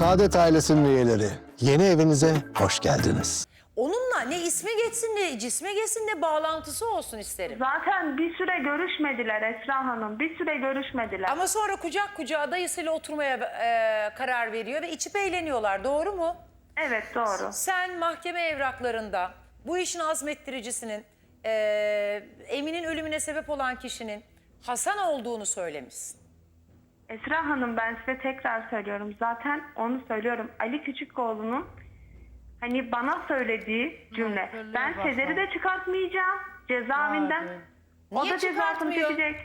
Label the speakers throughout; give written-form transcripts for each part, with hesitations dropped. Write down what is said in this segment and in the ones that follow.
Speaker 1: Saadet ailesinin üyeleri, yeni evinize hoş geldiniz.
Speaker 2: Onunla ne ismi geçsin ne cisme geçsin ne bağlantısı olsun isterim.
Speaker 3: Zaten bir süre görüşmediler Esra Hanım. Bir süre görüşmediler.
Speaker 2: Ama sonra kucak kucağa dayısıyla oturmaya karar veriyor ve içip eğleniyorlar. Doğru mu?
Speaker 3: Evet doğru.
Speaker 2: Sen mahkeme evraklarında bu işin azmettiricisinin Emin'in ölümüne sebep olan kişinin Hasan olduğunu söylemişsin.
Speaker 3: Esra Hanım ben size tekrar söylüyorum. Zaten onu söylüyorum. Ali Küçükoğlu'nun hani bana söylediği cümle. Ben Sezer'i de çıkartmayacağım cezaevinden. O
Speaker 2: Niye
Speaker 3: da cezasını
Speaker 2: çıkartmıyor?
Speaker 3: çekecek.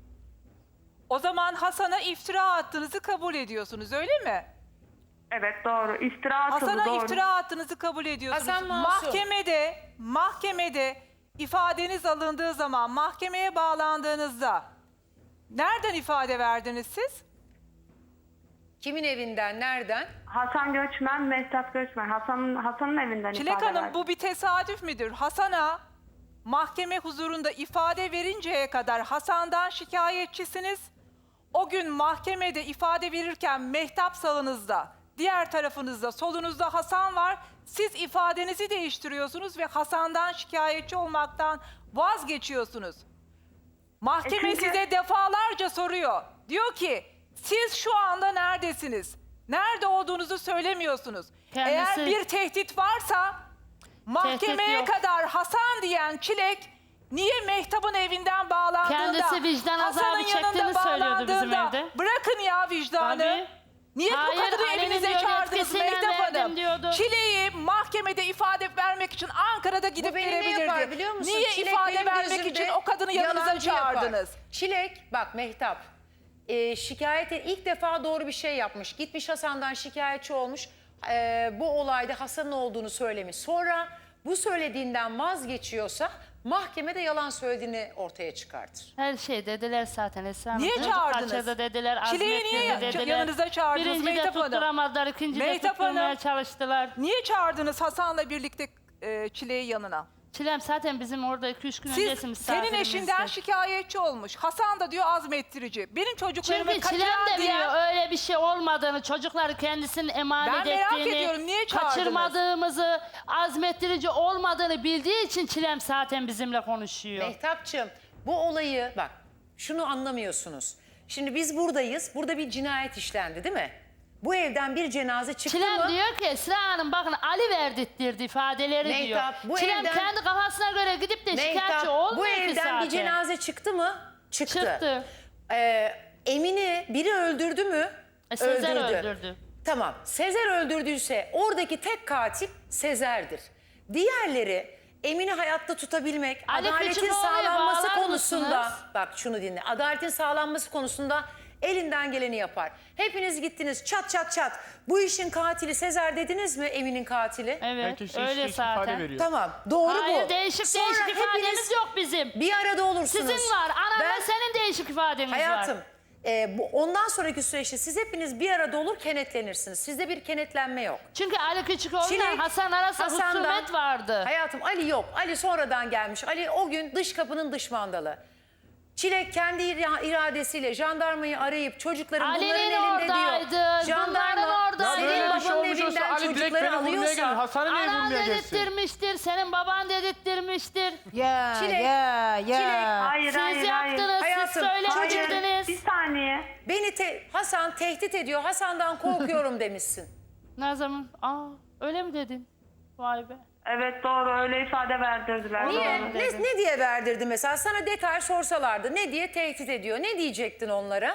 Speaker 4: O zaman Hasan'a iftira attığınızı kabul ediyorsunuz, öyle mi?
Speaker 3: Evet doğru. İftira atıldı
Speaker 4: Hasan'a
Speaker 3: doğru.
Speaker 4: iftira attığınızı kabul ediyorsunuz.
Speaker 2: Hasan masum.
Speaker 4: Mahkemede ifadeniz alındığı zaman, mahkemeye bağlandığınızda nereden ifade verdiniz siz?
Speaker 2: Kimin evinden, nereden?
Speaker 3: Hasan Göçmen, Mehtap Göçmen. Hasan'ın evinden
Speaker 4: Çilek
Speaker 3: ifade
Speaker 4: Hanım,
Speaker 3: verdi.
Speaker 4: bu bir tesadüf müdür? Hasan'a mahkeme huzurunda ifade verinceye kadar Hasan'dan şikayetçisiniz. O gün mahkemede ifade verirken Mehtap sağınızda, diğer tarafınızda, solunuzda Hasan var. Siz ifadenizi değiştiriyorsunuz ve Hasan'dan şikayetçi olmaktan vazgeçiyorsunuz. Mahkeme
Speaker 3: çünkü-
Speaker 4: size defalarca soruyor. Diyor ki siz şu anda neredesiniz? Nerede olduğunuzu söylemiyorsunuz.
Speaker 5: Kendisi-
Speaker 4: Eğer bir tehdit varsa mahkemeye
Speaker 5: yok.
Speaker 4: kadar Hasan diyen Çilek niye Mehtap'ın evinden bağlandığında,
Speaker 5: Kendisi vicdan azabı
Speaker 4: Hasan'ın
Speaker 5: çektiğini
Speaker 4: yanında
Speaker 5: söylüyordu bizim
Speaker 4: bağlandığında,
Speaker 5: evde.
Speaker 4: bırakın ya vicdanı.
Speaker 5: Tabii.
Speaker 4: Niye bu
Speaker 5: Hayır,
Speaker 4: kadını
Speaker 5: Ali'nin
Speaker 4: evinize
Speaker 5: diyor,
Speaker 4: çağırdınız
Speaker 5: yetkisiyle
Speaker 4: Mehtap
Speaker 5: verdim
Speaker 4: Hanım?
Speaker 5: diyordu.
Speaker 4: Çileği mahkemede ifade vermek için Ankara'da gidip
Speaker 2: beni ne
Speaker 4: gelebilirdi.
Speaker 2: yapar biliyor musun?
Speaker 4: Niye
Speaker 2: Çilek
Speaker 4: ifade
Speaker 2: benim
Speaker 4: vermek
Speaker 2: gözümde
Speaker 4: için o kadını yanınıza
Speaker 2: yalancı yapar.
Speaker 4: çağırdınız?
Speaker 2: Çilek, bak Mehtap, şikayete ilk defa doğru bir şey yapmış. Gitmiş Hasan'dan şikayetçi olmuş. Bu olayda Hasan'ın olduğunu söylemiş. Sonra bu söylediğinden vazgeçiyorsa mahkemede yalan söylediğini ortaya çıkartır.
Speaker 5: Her şey dediler zaten Esra Hanım.
Speaker 4: Niye
Speaker 5: Çocuk
Speaker 4: çağırdınız?
Speaker 5: kaçırdı dediler.
Speaker 4: Çileği niye
Speaker 5: azmettirdi
Speaker 4: yanınıza çağırdınız
Speaker 5: Birinci
Speaker 4: Mehtap
Speaker 5: de
Speaker 4: Hanım?
Speaker 5: tutturamadılar, ikinci de
Speaker 4: Mehtap
Speaker 5: tutturmaya
Speaker 4: Hanım.
Speaker 5: çalıştılar.
Speaker 4: Niye çağırdınız Hasan'la birlikte Çileği yanına?
Speaker 5: Çilem zaten bizim orada 2-3 gün öncesi
Speaker 4: Senin eşinden
Speaker 5: misafirimizdi.
Speaker 4: şikayetçi olmuş. Hasan da diyor azmettirici. Benim çocuklarımı
Speaker 5: Çünkü Çilem
Speaker 4: kaçıran
Speaker 5: de
Speaker 4: diye...
Speaker 5: biliyor öyle bir şey olmadığını, çocukları kendisinin emanet
Speaker 4: Ben merak
Speaker 5: ettiğini,
Speaker 4: ediyorum, niye çağırdınız?
Speaker 5: kaçırmadığımızı, azmettirici olmadığını bildiği için Çilem zaten bizimle konuşuyor.
Speaker 2: Mehtapçığım, bu olayı bak şunu anlamıyorsunuz. Şimdi biz buradayız. Burada bir cinayet işlendi değil mi? Bu evden bir cenaze çıktı
Speaker 5: Çilem
Speaker 2: mı?
Speaker 5: diyor ki Esra Hanım bakın Ali verdirttirdi ifadeleri
Speaker 2: Mehtap,
Speaker 5: diyor.
Speaker 2: bu
Speaker 5: Çilem
Speaker 2: evden-
Speaker 5: kendi kafasına göre gidip de şikayetçi
Speaker 2: Mehtap,
Speaker 5: olmuyor
Speaker 2: bu
Speaker 5: ki
Speaker 2: evden
Speaker 5: zaten.
Speaker 2: bir cenaze çıktı mı? Çıktı.
Speaker 5: Çıktı.
Speaker 2: Emin'i biri öldürdü mü?
Speaker 5: Sezer öldürdü.
Speaker 2: Tamam. Sezer öldürdüyse oradaki tek katil Sezer'dir. Diğerleri Emin'i hayatta tutabilmek,
Speaker 5: Ali
Speaker 2: adaletin
Speaker 5: Küçükoğlu'ya
Speaker 2: sağlanması
Speaker 5: bağlar
Speaker 2: konusunda,
Speaker 5: mısınız?
Speaker 2: bak şunu dinle, adaletin sağlanması konusunda elinden geleni yapar. Hepiniz gittiniz çat çat çat. Bu işin katili Sezer dediniz mi, Emin'in katili?
Speaker 5: Evet
Speaker 6: Herkes
Speaker 5: öyle
Speaker 6: değişik ifade
Speaker 5: zaten.
Speaker 6: veriyor.
Speaker 2: Tamam, doğru
Speaker 5: Hayır
Speaker 2: bu.
Speaker 5: değişik
Speaker 2: Sonra
Speaker 5: değişik ifademiz
Speaker 2: hepiniz
Speaker 5: yok bizim.
Speaker 2: bir arada olursunuz.
Speaker 5: Sizin var. Anamla
Speaker 2: Ben-
Speaker 5: senin değişik ifadeniz
Speaker 2: Hayatım,
Speaker 5: var.
Speaker 2: ondan sonraki süreçte siz hepiniz bir arada olur kenetlenirsiniz. Sizde bir kenetlenme yok.
Speaker 5: Çünkü Ali Küçükoğlu'yla
Speaker 2: Çilek,
Speaker 5: Hasan arasında
Speaker 2: Hasan'dan-
Speaker 5: husumet vardı.
Speaker 2: Hayatım Ali yok. Ali sonradan gelmiş. Ali o gün dış kapının dış mandalı. Çilek kendi iradesiyle jandarmayı arayıp çocukların
Speaker 5: Ali'nin
Speaker 2: bunların elinde
Speaker 5: oradaydı,
Speaker 2: diyor.
Speaker 5: bunların oradaydı.
Speaker 6: Ya
Speaker 2: senin
Speaker 6: böyle bir şey
Speaker 2: babanın
Speaker 6: olmuş olsa
Speaker 2: evinden
Speaker 6: Ali direkt
Speaker 2: çocukları
Speaker 6: beni vurmaya gelir.
Speaker 2: alıyorsa.
Speaker 6: Hasan'ı niye
Speaker 5: Anan
Speaker 6: vurmaya gelsin?
Speaker 5: dedirttirmiştir, senin baban dedirttirmiştir.
Speaker 7: Ya
Speaker 2: Çilek,
Speaker 7: ya
Speaker 2: Çilek,
Speaker 7: ya.
Speaker 3: Hayır
Speaker 5: Siz
Speaker 3: hayır
Speaker 5: yaptınız,
Speaker 3: hayır.
Speaker 2: Hayatım,
Speaker 5: siz söylemiştiniz.
Speaker 3: Bir saniye.
Speaker 2: Beni Hasan tehdit ediyor. Hasan'dan korkuyorum demişsin.
Speaker 5: Ne zaman? Öyle mi dedin? Vay be.
Speaker 3: Evet doğru öyle ifade verdirdiler.
Speaker 2: Niye?
Speaker 3: Doğru.
Speaker 2: Ne diye verdirdi mesela? Sana detay sorsalardı. Ne diye tehdit ediyor? Ne diyecektin onlara?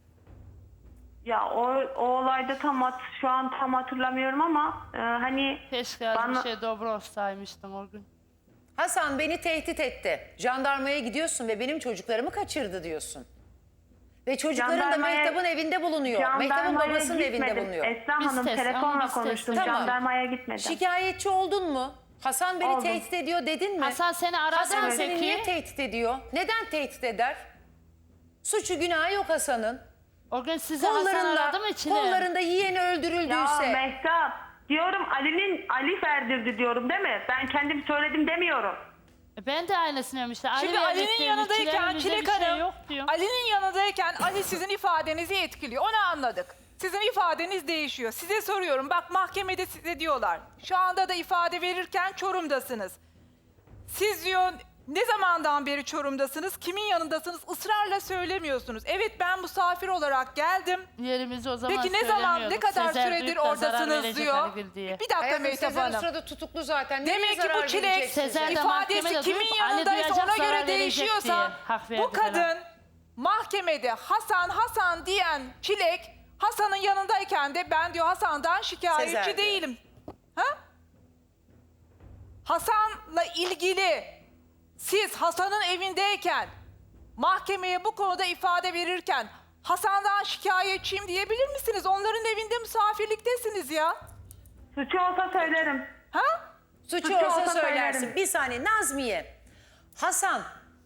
Speaker 3: Ya o olayda şu an tam hatırlamıyorum ama hani
Speaker 5: Keşke az
Speaker 3: bana-
Speaker 5: bir şey dobro olsaymıştın o gün.
Speaker 2: Hasan beni tehdit etti. Jandarmaya gidiyorsun ve benim çocuklarımı kaçırdı diyorsun. Ve çocukların da
Speaker 3: Jandarmaya-
Speaker 2: Mehtap'ın evinde bulunuyor. Mehtap'ın
Speaker 3: jandarmaya
Speaker 2: babasının evinde
Speaker 3: gitmedim.
Speaker 2: bulunuyor.
Speaker 3: Esra
Speaker 5: Biz
Speaker 3: Hanım
Speaker 5: test, ama
Speaker 3: telefonla
Speaker 5: biz
Speaker 3: konuştum.
Speaker 5: test.
Speaker 2: Tamam.
Speaker 3: Jandarmaya gitmedim.
Speaker 2: Şikayetçi oldun mu? Hasan beni
Speaker 3: Oldum.
Speaker 2: tehdit ediyor dedin mi?
Speaker 5: Hasan seni aradı
Speaker 2: Hasan
Speaker 5: mı
Speaker 2: seni
Speaker 5: peki?
Speaker 2: niye tehdit ediyor? Neden tehdit eder? Suçu günahı yok Hasan'ın.
Speaker 5: O gün sizi Hasan aradı mı içine?
Speaker 3: Ya
Speaker 2: Kollarında yeğeni öldürüldüyse.
Speaker 3: Mehtap diyorum Ali verdirdi diyorum değil mi? Ben kendim söyledim demiyorum.
Speaker 5: Ben de aynısını diyorum işte. Ali
Speaker 4: Şimdi Ali'nin
Speaker 5: verdikleri
Speaker 4: yanındayken
Speaker 5: bize
Speaker 4: Çilek
Speaker 5: bir şey
Speaker 4: Hanım,
Speaker 5: yok diyor.
Speaker 4: Ali'nin yanındayken Ali sizin ifadenizi etkiliyor. Onu anladık. Sizin ifadeniz değişiyor. Size soruyorum. Bak mahkemede size diyorlar. Şu anda da ifade verirken Çorum'dasınız. Siz diyor ne zamandan beri Çorum'dasınız? Kimin yanındasınız? Israrla söylemiyorsunuz. Evet ben misafir olarak geldim.
Speaker 5: Yerimizi o zaman
Speaker 4: Peki ne zaman, ne kadar
Speaker 5: Sezer
Speaker 4: süredir
Speaker 5: duyup da zarar
Speaker 4: oradasınız
Speaker 5: verecek
Speaker 4: diyor.
Speaker 5: Halil diye.
Speaker 4: Bir dakika
Speaker 2: Hayatım
Speaker 4: Mehtap
Speaker 2: Sezer o
Speaker 4: Hanım.
Speaker 2: sırada tutuklu zaten. Nereye
Speaker 4: Demek ki
Speaker 2: zarar
Speaker 4: bu çilek
Speaker 2: verecek size?
Speaker 5: Sezer de
Speaker 4: ifadesi
Speaker 5: mahkemede
Speaker 4: kimin
Speaker 5: duyup Ali
Speaker 4: yanındaysa
Speaker 5: duyacak,
Speaker 4: ona
Speaker 5: zarar
Speaker 4: göre
Speaker 5: verecek diye
Speaker 4: değişiyorsa
Speaker 5: hak verdi
Speaker 4: bu kadın
Speaker 5: falan.
Speaker 4: mahkemede Hasan diyen çilek Hasan'ın yanındayken de ben diyor Hasan'dan şikayetçi
Speaker 2: Sezer diyor.
Speaker 4: değilim. Ha? Hasan'la ilgili siz Hasan'ın evindeyken mahkemeye bu konuda ifade verirken Hasan'dan şikayetçiyim diyebilir misiniz? Onların evinde misafirliktesiniz ya.
Speaker 3: Suçu olsa söylerim.
Speaker 4: Ha?
Speaker 2: Suçu
Speaker 3: Suçu
Speaker 2: olsa
Speaker 3: olsa
Speaker 2: söylersin.
Speaker 3: söylerim.
Speaker 2: Bir saniye Nazmiye. Hasan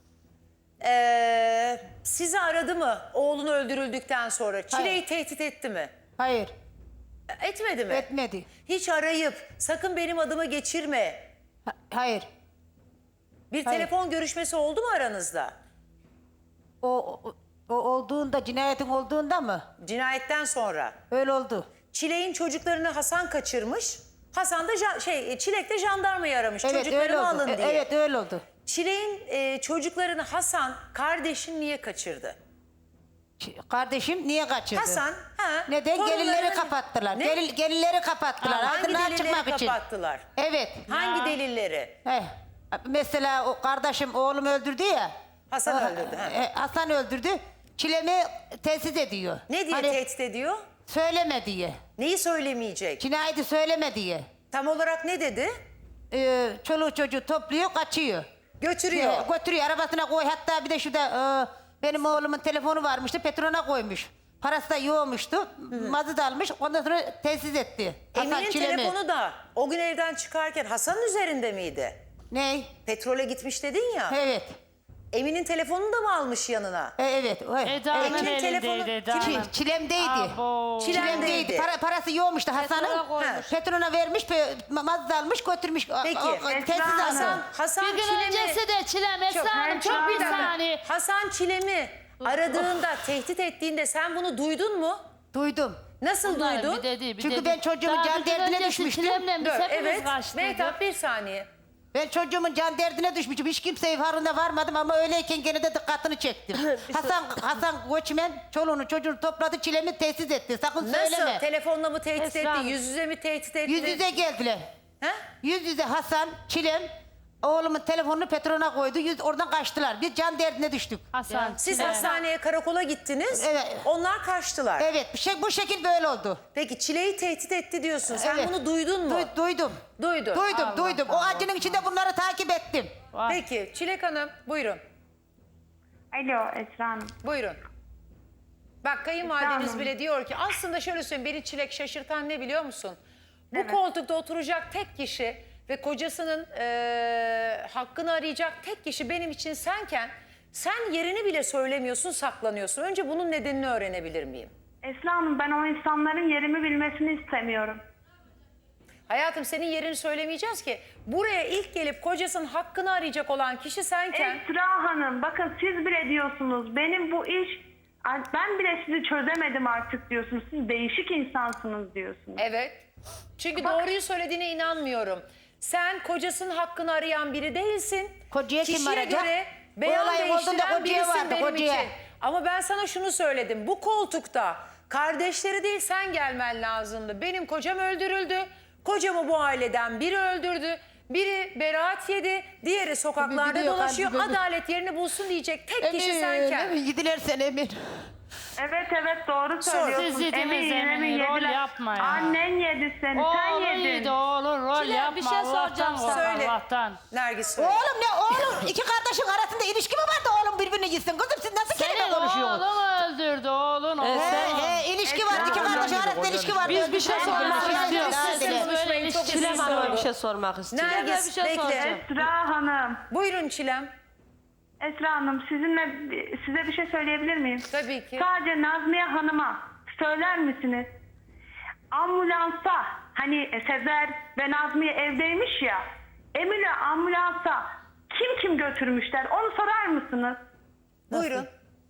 Speaker 2: sizi aradı mı oğlun öldürüldükten sonra? Çileyi tehdit etti mi?
Speaker 6: Hayır,
Speaker 2: Etmedi mi?
Speaker 6: etmedi.
Speaker 2: Hiç arayıp sakın benim adımı geçirme.
Speaker 6: Hayır.
Speaker 2: Bir
Speaker 6: Hayır.
Speaker 2: telefon görüşmesi oldu mu aranızda?
Speaker 6: O olduğunda, cinayetin olduğunda mı?
Speaker 2: Cinayetten sonra.
Speaker 6: Öyle oldu.
Speaker 2: Çilek'in çocuklarını Hasan kaçırmış. Hasan da Çilek de jandarmayı aramış.
Speaker 6: Evet, öyle
Speaker 2: Çocuklarımı
Speaker 6: oldu.
Speaker 2: alın diye.
Speaker 6: Evet, öyle oldu.
Speaker 2: Çilek'in çocuklarını Hasan kardeşin niye kaçırdı?
Speaker 6: Kardeşim niye kaçırdı?
Speaker 2: Hasan, ha.
Speaker 6: Neden?
Speaker 2: torunlarını-
Speaker 6: Gelinleri kapattılar.
Speaker 2: Ne?
Speaker 6: Gelinleri kapattılar.
Speaker 2: Hangi
Speaker 6: Aydınlığa
Speaker 2: delilleri
Speaker 6: çıkmak için.
Speaker 2: kapattılar?
Speaker 6: Evet.
Speaker 2: Hangi delilleri?
Speaker 6: Mesela o kardeşim oğlumu öldürdü ya.
Speaker 2: Hasan öldürdü, ha.
Speaker 6: Hasan öldürdü. Çilemi tehdit ediyor.
Speaker 2: Ne diye
Speaker 6: Hani
Speaker 2: tehdit ediyor?
Speaker 6: söyleme diye.
Speaker 2: Neyi söylemeyecek?
Speaker 6: Cinayeti söyleme diye.
Speaker 2: Tam olarak ne dedi?
Speaker 6: Çoluğu çocuğu topluyor, kaçıyor.
Speaker 2: Götürüyor.
Speaker 6: Götürüyor, arabasına koy. Hatta bir de şurada benim oğlumun telefonu varmıştı, petrona koymuş. Parası da yoğmuştu. Mazı da almış. Ondan sonra tesis etti. Hasan
Speaker 2: Emin'in
Speaker 6: Çilemi.
Speaker 2: telefonu da o gün evden çıkarken Hasan'ın üzerinde miydi?
Speaker 6: Ney?
Speaker 2: Petrole gitmiş dedin ya.
Speaker 6: Evet.
Speaker 2: Emin'in telefonunu da mı almış yanına?
Speaker 6: Evet.
Speaker 5: Eda'nın
Speaker 2: Emin'in telefonu-
Speaker 5: elindeydi Eda'nın.
Speaker 6: Çilemdeydi.
Speaker 5: Abo.
Speaker 2: Çilemdeydi.
Speaker 6: Parası yoğmuştu Hasan'ın.
Speaker 5: Petrona koymuş.
Speaker 6: Petrona vermiş, mazı da almış, götürmüş.
Speaker 2: Peki.
Speaker 6: Tesis
Speaker 2: Hasan,
Speaker 6: aldı.
Speaker 2: Hasan
Speaker 5: Bir gün
Speaker 2: Çilem'i...
Speaker 5: öncesi de Çilem Esra Hanım
Speaker 2: Çok
Speaker 5: çok
Speaker 2: bir
Speaker 5: bir
Speaker 2: dakika.
Speaker 5: saniye.
Speaker 2: Hasan Çilem'i aradığında, tehdit ettiğinde sen bunu duydun mu?
Speaker 6: Duydum.
Speaker 2: Nasıl
Speaker 5: Bunlar
Speaker 2: duydun?
Speaker 5: bir dedi, bir
Speaker 6: Çünkü
Speaker 5: dedi.
Speaker 6: ben çocuğumun
Speaker 5: Daha
Speaker 6: can
Speaker 5: bir gün
Speaker 6: derdine
Speaker 5: öncesi
Speaker 6: düşmüştüm.
Speaker 5: Çilem'le biz
Speaker 2: Dur,
Speaker 5: hepimiz
Speaker 2: evet.
Speaker 5: kaçtık.
Speaker 2: Mehtap bir saniye.
Speaker 6: Ben çocuğumun can derdine düşmüşüm. Hiç kimseye farkına varmadım ama öyleyken gene de dikkatini çektim. Hasan Göçmen çoluğunu çocuğunu topladı, Çilem'i tesis etti. Sakın söyleme.
Speaker 2: Nasıl? Telefonla mı tehdit
Speaker 5: Esra
Speaker 2: etti?
Speaker 5: Hanım.
Speaker 2: Yüz yüze mi tehdit etti?
Speaker 6: Yüz yüze geldiler.
Speaker 2: He?
Speaker 6: Yüz yüze Hasan, Çilem, oğlumun telefonunu petrona koydu. Oradan kaçtılar. Biz can derdine düştük.
Speaker 5: Hasan
Speaker 2: Siz
Speaker 5: Çilem.
Speaker 2: hastaneye, karakola gittiniz.
Speaker 6: Evet.
Speaker 2: Onlar kaçtılar.
Speaker 6: Evet, bu şekil böyle oldu.
Speaker 2: Peki Çile'yi tehdit etti diyorsun. Sen
Speaker 6: Evet.
Speaker 2: bunu duydun mu?
Speaker 6: Duydum.
Speaker 2: Duydun.
Speaker 6: Duydum. O acının içinde bunları takip ettim.
Speaker 5: Vay.
Speaker 2: Peki Çilek Hanım buyurun.
Speaker 3: Alo Esra Hanım.
Speaker 2: Buyurun. Bak kayınvalideniz
Speaker 3: Tamam.
Speaker 2: bile diyor ki aslında şöyle söyleyeyim beni Çilek şaşırtan ne biliyor musun? Bu
Speaker 3: Evet.
Speaker 2: koltukta oturacak tek kişi ve kocasının hakkını arayacak tek kişi benim için senken sen yerini bile söylemiyorsun, saklanıyorsun. Önce bunun nedenini öğrenebilir miyim?
Speaker 3: Esra Hanım ben o insanların yerimi bilmesini istemiyorum.
Speaker 2: Hayatım senin yerini söylemeyeceğiz ki. Buraya ilk gelip kocasının hakkını arayacak olan kişi senken...
Speaker 3: Esra Hanım bakın siz bile diyorsunuz benim bu iş ben bile sizi çözemedim artık diyorsunuz. Siz değişik insansınız diyorsunuz.
Speaker 2: Evet. Çünkü doğruyu söylediğine inanmıyorum. Sen kocasının hakkını arayan biri değilsin.
Speaker 6: Kocaya kim
Speaker 2: Kişiye
Speaker 6: arayacak?
Speaker 2: göre
Speaker 6: O
Speaker 2: beyan
Speaker 6: olay olduğunda
Speaker 2: değiştiren
Speaker 6: kocaya
Speaker 2: birisin
Speaker 6: vardı,
Speaker 2: benim
Speaker 6: kocaya.
Speaker 2: için. Ama ben sana şunu söyledim. Bu koltukta kardeşleri değil sen gelmen lazımdı. Benim kocam öldürüldü. Kocamı bu aileden biri öldürdü. Biri beraat yedi. Diğeri sokaklarda
Speaker 6: Biliyor,
Speaker 2: dolaşıyor.
Speaker 6: kalbi böyle.
Speaker 2: Adalet yerini bulsun diyecek tek kişi senken.
Speaker 6: Emin gidilersen Emin.
Speaker 3: Evet doğru söylüyorsun.
Speaker 5: Siz yediniz Emin, rol
Speaker 3: yediler.
Speaker 5: yapma ya.
Speaker 3: Annen yedi seni sen
Speaker 5: Oğlum
Speaker 3: yedin.
Speaker 5: iyiydi oğlum rol
Speaker 7: Çilem,
Speaker 5: yapma
Speaker 7: bir şey soracağım
Speaker 5: Allah'tan
Speaker 7: sana.
Speaker 5: kork
Speaker 2: Söyle.
Speaker 5: Allah'tan.
Speaker 2: Nergis söyle.
Speaker 6: Oğlum ne oğlum? İki kardeşin arasında ilişki mi var da oğlum birbirini gitsin? Kızım siz nasıl kelime
Speaker 5: Senin
Speaker 6: konuşuyorsunuz?
Speaker 5: oğlun öldürdü oğlun oğlun.
Speaker 6: İlişki var. İki kardeşin arasında ilişki var.
Speaker 7: Biz bir şey sormak istiyoruz.
Speaker 5: Siz böyle ilişki
Speaker 7: Çilem Hanım'a bir şey sormak istiyorum.
Speaker 2: Nergis
Speaker 5: bir şey
Speaker 2: bekle.
Speaker 5: soracağım.
Speaker 3: Esra Hanım.
Speaker 2: Buyurun Çilem.
Speaker 3: Esra Hanım size bir şey söyleyebilir miyim?
Speaker 2: Tabii ki.
Speaker 3: Sadece Nazmiye Hanım'a söyler misiniz? Ambulansa hani Sezer ve Nazmiye evdeymiş ya. Emin'le ambulansa kim götürmüşler onu sorar mısınız?
Speaker 2: Buyurun.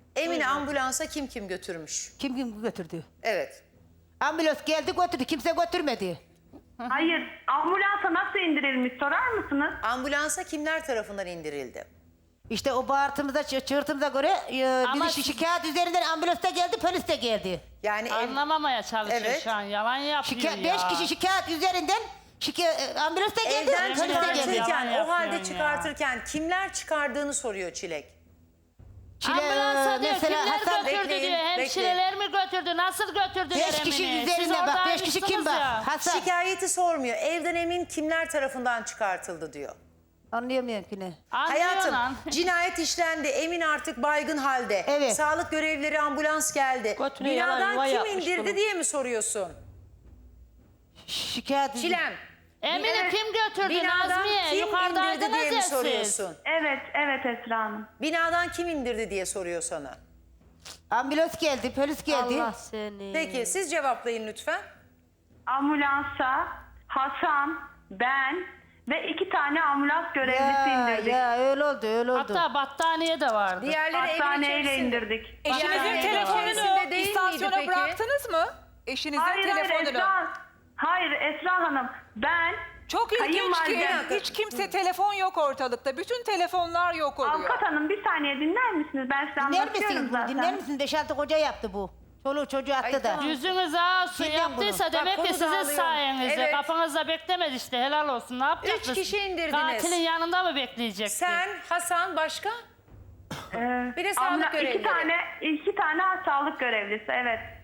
Speaker 2: Emine ambulansa kim götürmüş?
Speaker 6: Kim götürdü?
Speaker 2: Evet.
Speaker 6: Ambulans geldi götürdü. Kimse götürmedi.
Speaker 3: Hayır, ambulansa nasıl indirilmiş sorar mısınız?
Speaker 2: Ambulansa kimler tarafından indirildi?
Speaker 6: İşte o bağırtımıza, çığırtımıza göre
Speaker 5: Ama
Speaker 6: bizi şikayet üzerinden ambulans da geldi, polis de geldi.
Speaker 2: Yani
Speaker 5: Anlamamaya çalışıyor
Speaker 2: Evet.
Speaker 5: şu an. Yalan yapıyor ya.
Speaker 6: 5 kişi şikayet üzerinden ambulans da geldi,
Speaker 2: evden
Speaker 6: polis de geldi.
Speaker 2: çıkartırken,
Speaker 5: Yalan
Speaker 2: o halde
Speaker 5: yapıyorsun ya.
Speaker 2: çıkartırken kimler çıkardığını soruyor Çilek.
Speaker 5: Ambulansa diyor
Speaker 6: mesela
Speaker 5: kimler
Speaker 6: Hasan-
Speaker 5: götürdü
Speaker 2: Bekleyin,
Speaker 5: diyor. Hemşireler mi götürdü? Nasıl götürdüler
Speaker 6: 5 kişi
Speaker 5: Emine'yi? Siz
Speaker 6: üzerinden bak, 5 kişi kim
Speaker 5: oradaymışsınız
Speaker 6: bak?
Speaker 5: ya.
Speaker 6: Hasan.
Speaker 2: Şikayeti sormuyor. Evden emin kimler tarafından çıkartıldı diyor.
Speaker 6: Anlayamıyorum ki ne.
Speaker 2: Hayatım
Speaker 5: Anlıyor lan.
Speaker 2: cinayet işlendi. Emin artık baygın halde.
Speaker 6: Evet.
Speaker 2: Sağlık görevlileri ambulans geldi.
Speaker 7: Götüne yalan
Speaker 2: Binadan
Speaker 7: yuva
Speaker 2: kim
Speaker 7: yapmış
Speaker 2: indirdi
Speaker 7: bunu.
Speaker 2: diye mi soruyorsun?
Speaker 6: Şikayet
Speaker 2: Çilem.
Speaker 5: Emine
Speaker 3: Evet.
Speaker 5: kim götürdü
Speaker 2: Binadan
Speaker 5: Nazmiye?
Speaker 2: kim indirdi
Speaker 5: Yukarıdaydınız
Speaker 2: diye mi
Speaker 5: ya siz.
Speaker 2: soruyorsun?
Speaker 3: Evet Esra Hanım.
Speaker 2: Binadan kim indirdi diye soruyor sana.
Speaker 6: ambulans geldi, polis geldi.
Speaker 7: Allah seni.
Speaker 2: Peki siz cevaplayın lütfen.
Speaker 3: Ambulansa Hasan, ben ve 2 tane ambulans görevlisi indirdik.
Speaker 6: Ya öyle oldu, öyle oldu.
Speaker 5: Hatta battaniye de vardı.
Speaker 2: Diğerleri evin
Speaker 3: Hastaneyle
Speaker 2: içerisinde.
Speaker 3: indirdik.
Speaker 4: Eşinizin
Speaker 2: Yani
Speaker 4: telefonunu
Speaker 2: içerisinde değil miydi
Speaker 4: istasyona
Speaker 2: peki?
Speaker 4: bıraktınız mı? Eşinizin
Speaker 3: Hayır
Speaker 4: telefonunu.
Speaker 3: Hayır Esra Hanım. Ben
Speaker 4: Çok ilginç ki
Speaker 3: kayınvalidem-
Speaker 4: hiç kimse telefon yok ortalıkta. Bütün telefonlar yok oluyor.
Speaker 3: Avukat Hanım bir saniye dinler misiniz? Ben size
Speaker 6: Dinler
Speaker 3: anlatıyorum
Speaker 6: misiniz?
Speaker 3: zaten.
Speaker 6: Dinler misiniz? 5-6 koca yaptı bu. Çoluğu çocuğu attı da.
Speaker 2: tamam.
Speaker 5: Yüzünüz ağzı
Speaker 6: Bilmem
Speaker 5: yaptıysa
Speaker 6: bunu.
Speaker 5: demek
Speaker 2: Bak,
Speaker 5: ki
Speaker 2: konu
Speaker 5: sizin
Speaker 2: dağılıyor.
Speaker 5: sayenizde.
Speaker 2: Evet.
Speaker 5: Kafanızda beklemedi işte helal olsun. Ne yapacaksınız?
Speaker 2: 3 kişi indirdiniz.
Speaker 5: Katilin yanında mı bekleyecekti?
Speaker 2: Sen, Hasan, başka? Bir de sağlık görevlileri.
Speaker 3: İki tane sağlık görevlisi evet.